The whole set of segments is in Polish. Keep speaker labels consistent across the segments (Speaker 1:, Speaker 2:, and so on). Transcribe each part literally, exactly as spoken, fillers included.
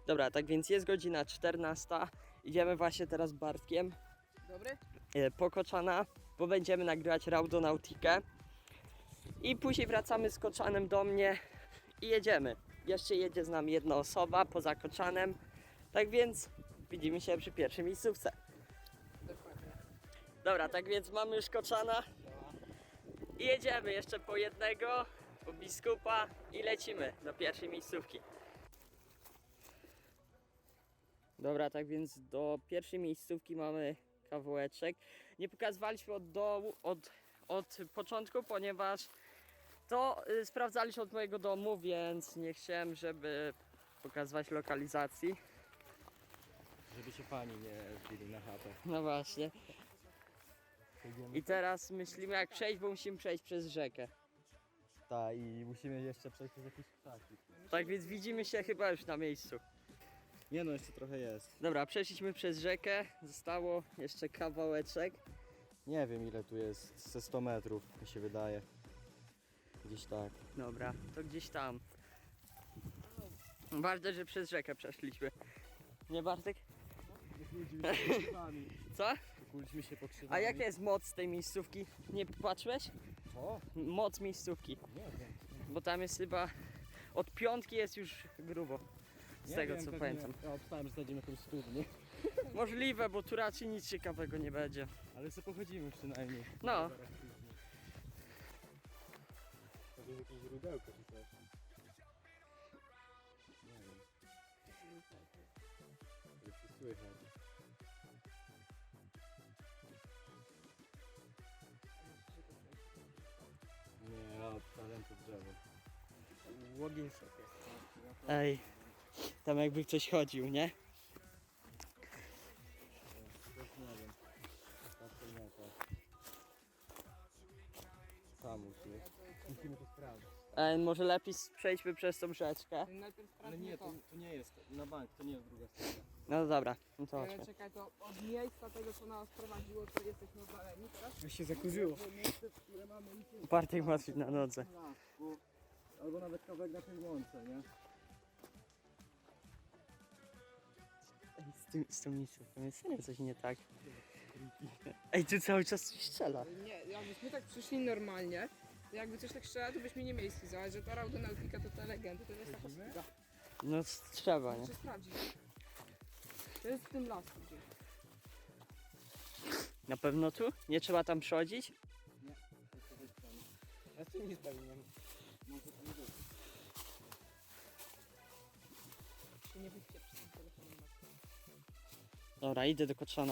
Speaker 1: Dobra, tak więc jest godzina czternasta. Idziemy właśnie teraz z Bartkiem.
Speaker 2: Dobry?
Speaker 1: Po Koczana, bo będziemy nagrywać Raudonautikę. I później wracamy z Koczanem do mnie i jedziemy. Jeszcze jedzie z nami jedna osoba poza Koczanem. Tak więc widzimy się przy pierwszej miejscówce.
Speaker 2: Dokładnie.
Speaker 1: Dobra, tak więc mamy już Koczana. I jedziemy jeszcze po jednego, po biskupa i lecimy do pierwszej miejscówki. Dobra, tak więc do pierwszej miejscówki mamy kawałeczek. Nie pokazywaliśmy od dołu, od, od początku, ponieważ to y, sprawdzaliśmy od mojego domu, więc nie chciałem, żeby pokazywać lokalizacji.
Speaker 3: Żeby się pani nie wbili na chatę.
Speaker 1: No właśnie. I teraz myślimy jak przejść, bo musimy przejść przez rzekę.
Speaker 3: Tak, i musimy jeszcze przejść przez jakieś ptaki.
Speaker 1: Tak więc widzimy się chyba już na miejscu.
Speaker 3: Nie no, jeszcze trochę jest.
Speaker 1: Dobra, przeszliśmy przez rzekę, zostało jeszcze kawałeczek.
Speaker 3: Nie wiem ile tu jest, ze sto metrów mi się wydaje. Gdzieś tak.
Speaker 1: Dobra, to gdzieś tam. Ważne, że przez rzekę przeszliśmy. Nie, Bartek?
Speaker 3: Wykluliśmy się pokrzywami.
Speaker 1: Co?
Speaker 3: Wykluliśmy się pokrzywami.
Speaker 1: A jaka jest moc tej miejscówki? Nie patrzyłeś?
Speaker 3: O,
Speaker 1: Moc miejscówki.
Speaker 3: nie wiem.
Speaker 1: Bo tam jest chyba... Od piątki jest już grubo. Z
Speaker 3: Nie
Speaker 1: tego
Speaker 3: wiem,
Speaker 1: co
Speaker 3: pewnie-
Speaker 1: pamiętam.
Speaker 3: Ja obstałem, że znajdziemy jakąś studnię.
Speaker 1: Możliwe, bo tu raczej nic ciekawego nie będzie.
Speaker 3: Ale sobie pochodzimy przynajmniej.
Speaker 1: No.
Speaker 3: Może jakieś źródełko czy coś. Nie wiem. Ale czy słychać? Nie, ja odstawiam to drzewo.
Speaker 1: Łogień sobie. Ej, tam jakby ktoś chodził, nie?
Speaker 3: Też nie wiem. Tak to nie tak. Sam musimy. Musimy to sprawdzić.
Speaker 1: Ej, może lepiej przejdźmy przez tą rzeczkę.
Speaker 2: Najpierw
Speaker 3: Ale
Speaker 2: sprawdźmy
Speaker 3: nie,
Speaker 2: to.
Speaker 3: to, to nie jest na bank, to nie jest druga strona.
Speaker 1: No dobra, no to
Speaker 2: Ale
Speaker 1: chodźmy.
Speaker 2: czekaj, to od miejsca tego, co nas prowadziło, to jesteśmy oddaleni teraz?
Speaker 1: Już się zakurzyło.
Speaker 3: Miejsce, które mamy iść
Speaker 1: Bartek ma na nodze.
Speaker 3: lasku, albo nawet kawałek na tej łące, nie?
Speaker 1: Ej, z tym, z tą miejscówką jest serio coś nie tak. Ej, tu cały czas coś strzela.
Speaker 2: Nie, jakbyśmy tak przyszli normalnie, to jakby coś tak strzela, to byśmy nie mieli schiza, że ta Raudonautika to ta legenda, to jest taka schiza.
Speaker 1: No trzeba, nie?
Speaker 2: Muszę sprawdzić. To jest w tym lasku gdzieś.
Speaker 1: Na pewno tu? Nie trzeba tam przechodzić?
Speaker 3: Ja tu nie spełniłem.
Speaker 2: Się nie wyjdzie przez tym telefonem.
Speaker 1: Dobra, idę do Koczana.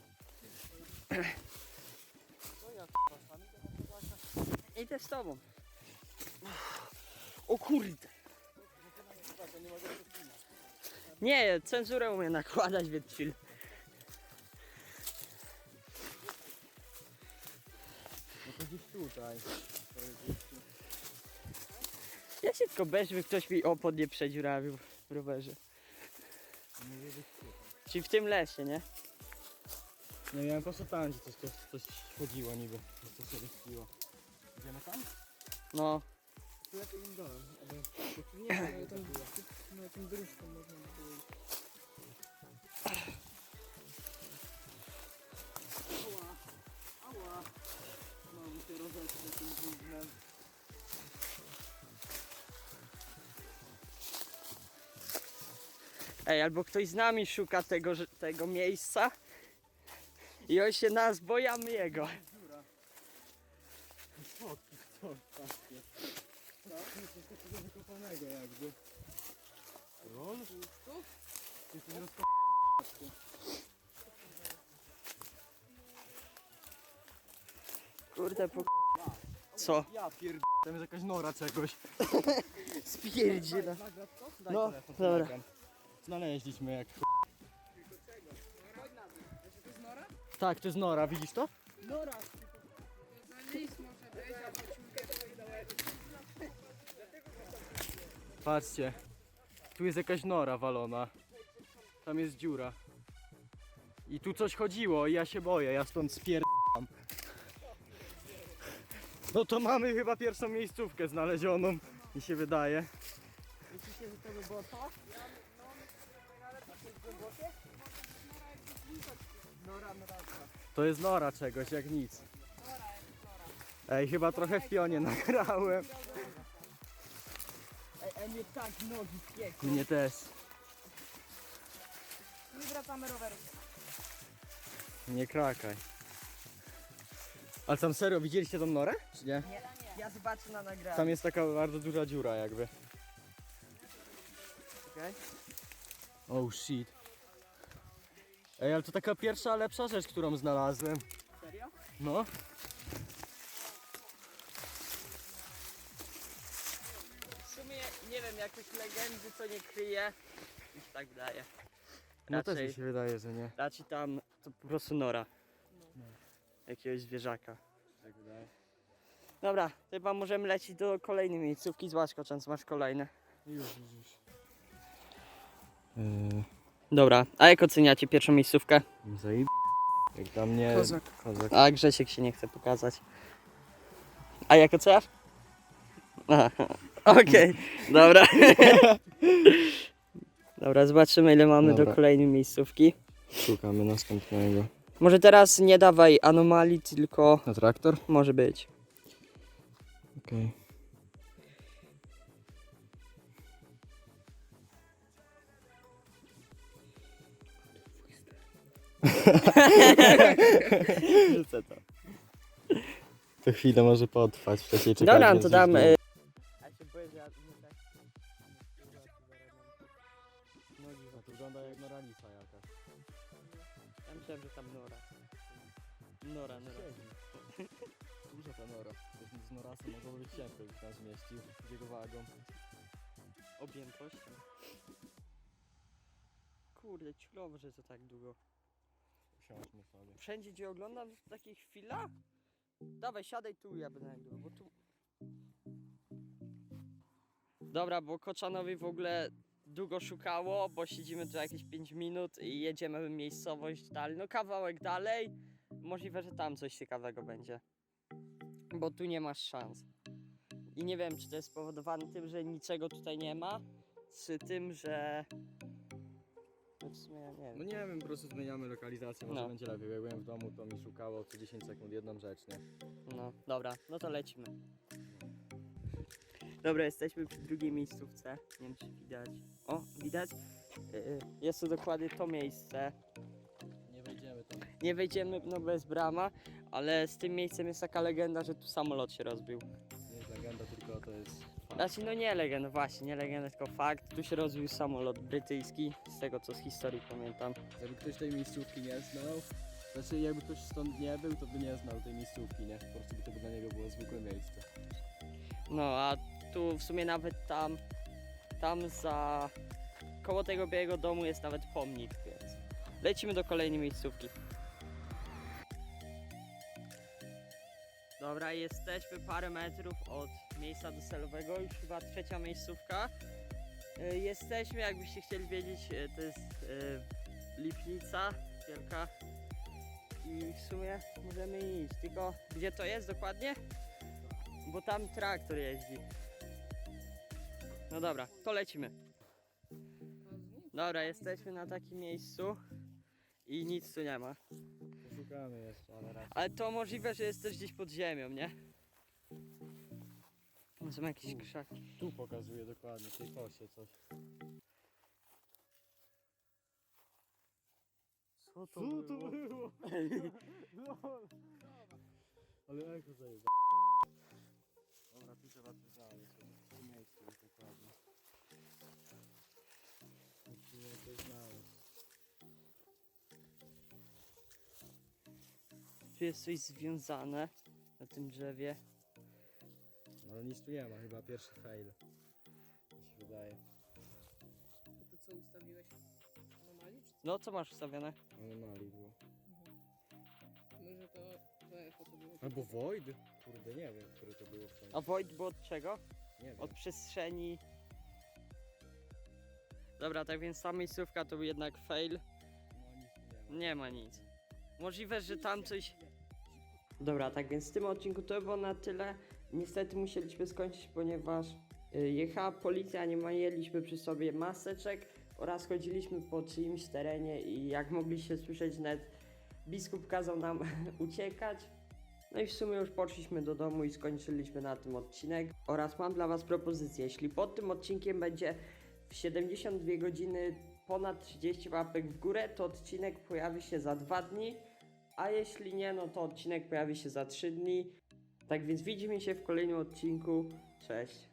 Speaker 1: Idę z tobą. O kurde. Nie, cenzurę umiem nakładać, więc chill.
Speaker 3: No to gdzieś tutaj.
Speaker 1: Ja się tylko bez, żeby ktoś mi opon nie przedziurawił w rowerze.
Speaker 3: Może być tutaj.
Speaker 1: Czyli w tym lesie, nie?
Speaker 3: Nie wiem, po prostu tam gdzie coś, coś, coś chodziło niby. Coś się wyspiło. Idziemy tam?
Speaker 1: No.
Speaker 3: Tu ja tym dołem.
Speaker 2: Nie, ale tam, no, tym dróżką można by było iść.
Speaker 3: Ała, ała. Mam się rozetrzeć tym gównem.
Speaker 1: Ej, albo ktoś z nami szuka tego, że- tego miejsca i on się nas boi, a my jego.
Speaker 3: Dziura. Schodki stąd, patrzcie. No, coś takiego wykopanego jakby. Rol?
Speaker 2: Tu?
Speaker 3: Jesteś rozko...
Speaker 1: Kurde, po... Co?
Speaker 3: Ja pierd... Tam jest jakaś nora czegoś.
Speaker 1: Spierdziela.
Speaker 3: Nagrać to? Daj
Speaker 1: No,
Speaker 3: telefon,
Speaker 1: dobra.
Speaker 3: nagram. Znaleźliśmy jak ch...
Speaker 2: To jest nora?
Speaker 3: Tak, to jest nora, widzisz to?
Speaker 2: Nora! To za lis może być, albo ciulkę to dałem.
Speaker 3: Patrzcie. Tu jest jakaś nora walona. Tam jest dziura. I tu coś chodziło i ja się boję, ja stąd spierdam. No to mamy chyba pierwszą miejscówkę znalezioną, mi się wydaje.
Speaker 2: Myślicie, że to by było to?
Speaker 3: To jest nora czegoś, jak nic. Ej, chyba trochę w pionie nagrałem.
Speaker 1: Ej, ej, mnie tak nogi piekły.
Speaker 3: Mnie też.
Speaker 2: Nie wracamy roweru.
Speaker 3: Nie krakaj. Ale tam serio, widzieliście tą norę? Czy nie?
Speaker 1: Nie, ja zobaczę na nagraniu.
Speaker 3: Tam jest taka bardzo duża dziura jakby.
Speaker 1: Okej.
Speaker 3: Oh shit. Ej, ale to taka pierwsza lepsza rzecz, którą znalazłem.
Speaker 1: Serio?
Speaker 3: No.
Speaker 1: W sumie nie wiem, jakieś legendy co nie kryje. Mi się tak wydaje.
Speaker 3: No też
Speaker 1: Raczej-
Speaker 3: mi się wydaje, że nie.
Speaker 1: Raczej tam to po prostu nora. Jakiegoś zwierzaka.
Speaker 3: Tak wydaje.
Speaker 1: Dobra, to chyba możemy lecieć do kolejnej miejscówki. Zobacz, Koczan, masz kolejne.
Speaker 3: Już, już, już. Yy,
Speaker 1: Dobra, a jak oceniacie pierwszą miejscówkę?
Speaker 3: Zajeb... Jak dla mnie...
Speaker 2: Kozak.
Speaker 3: Kozak.
Speaker 1: A Grzesiek się nie chce pokazać. A jak oceniasz? Aha, okej, dobra. Dobra, zobaczymy ile mamy
Speaker 3: Dobra.
Speaker 1: do kolejnej miejscówki.
Speaker 3: Szukamy następnego.
Speaker 1: Może teraz nie dawaj anomalii, tylko
Speaker 3: Na traktor?
Speaker 1: może być.
Speaker 3: Okej.
Speaker 1: Rzucę to.
Speaker 3: To chwilę może potrwać, wcześniej czekać.
Speaker 1: Dobra,
Speaker 3: więc
Speaker 1: to
Speaker 3: już
Speaker 1: dam.
Speaker 3: nie-
Speaker 1: y, Ja się boję, że ja nie tak.
Speaker 3: No, to wygląda jak noralica jakaś.
Speaker 1: Ja myślałem, że tam nora. Nora, nora.
Speaker 3: Duża ta nora. Z norasem mogło być ciężko, już tam zmieścił z jego wagą.
Speaker 1: Objętość. Kurde, ciulowo, że to tak długo.
Speaker 3: Usiądźmy sobie.
Speaker 1: Wszędzie gdzie oglądam w takich chwilach? Dawaj, siadaj tu, ja będę nagrywał, bo tu... Dobra, bo Koczanowi w ogóle długo szukało, bo siedzimy tu jakieś pięć minut i jedziemy w miejscowość dalej, no kawałek dalej. Możliwe, że tam coś ciekawego będzie. Bo tu nie masz szans. I nie wiem, czy to jest spowodowane tym, że niczego tutaj nie ma, czy tym, że... No w sumie ja nie wiem.
Speaker 3: No nie wiem, po prostu zmieniamy lokalizację, może
Speaker 1: No.
Speaker 3: będzie lepiej. Jak byłem w domu, to mi szukało co dziesięć sekund jedną rzecz, nie?
Speaker 1: No, dobra, no to lecimy. Dobra, jesteśmy przy drugiej miejscówce. Nie wiem, czy widać. O, widać? Yy, Jest to dokładnie to miejsce.
Speaker 3: Nie wejdziemy tam.
Speaker 1: Nie wejdziemy, no bez brama, ale z tym miejscem jest taka legenda, że tu samolot się rozbił.
Speaker 3: Nie jest legenda, tylko to jest fakt.
Speaker 1: Znaczy, no nie legenda, właśnie, nie legenda, tylko fakt. Tu się rozbił samolot brytyjski, z tego co z historii pamiętam.
Speaker 3: Jakby ktoś tej miejscówki nie znał, znaczy jakby ktoś stąd nie był, to by nie znał tej miejscówki, nie? Po prostu by to by dla niego było zwykłe miejsce.
Speaker 1: No, a tu w sumie nawet tam, tam za, koło tego białego domu jest nawet pomnik, więc lecimy do kolejnej miejscówki. Dobra, jesteśmy parę metrów od miejsca docelowego, już chyba trzecia miejscówka. Y, Jesteśmy, jakbyście chcieli wiedzieć, y, to jest y, Lipnica wielka i w sumie możemy iść, tylko gdzie to jest dokładnie? Bo tam traktor jeździ. No dobra, to lecimy. Dobra, jesteśmy na takim miejscu i nic tu nie ma.
Speaker 3: Szukamy jeszcze, ale raz.
Speaker 1: Ale to możliwe, że jest też gdzieś pod ziemią, nie? Tam są jakieś krzaki.
Speaker 3: Tu pokazuje dokładnie, w tej kosie coś.
Speaker 1: Co
Speaker 3: Co to było? Ale echo zajeba. Dobra, tu trzeba coś znaleźć. W tym miejscu jest dokładnie. Musimy coś znaleźć.
Speaker 1: Tu jest coś związane na tym drzewie.
Speaker 3: No ale nic tu nie ma, chyba pierwszy fail. Mi się wydaje.
Speaker 2: A to co ustawiłeś? Anomalii? Czy
Speaker 1: No co masz wstawione?
Speaker 3: Anomalii było.
Speaker 2: co? Może to, to echo to było.
Speaker 3: Albo Void? Kurde, nie wiem, które to było w końcu.
Speaker 1: A Void, bo od czego?
Speaker 3: Nie wiem.
Speaker 1: Od przestrzeni. Dobra, tak więc ta miejscówka to był jednak fail.
Speaker 3: No nic tu nie ma.
Speaker 1: Nie ma nic. Możliwe, że tam coś... Dobra, tak więc w tym odcinku to było na tyle. Niestety musieliśmy skończyć, ponieważ y, jechała policja, nie mieliśmy przy sobie maseczek oraz chodziliśmy po czyimś terenie i jak mogliście słyszeć, nawet biskup kazał nam uciekać. No i w sumie już poszliśmy do domu i skończyliśmy na tym odcinek. Oraz mam dla was propozycję, jeśli pod tym odcinkiem będzie w siedemdziesiąt dwie godziny ponad trzydzieści łapek w górę, to odcinek pojawi się za dwa dni, a jeśli nie, no to odcinek pojawi się za trzy dni. Tak więc widzimy się w kolejnym odcinku. Cześć!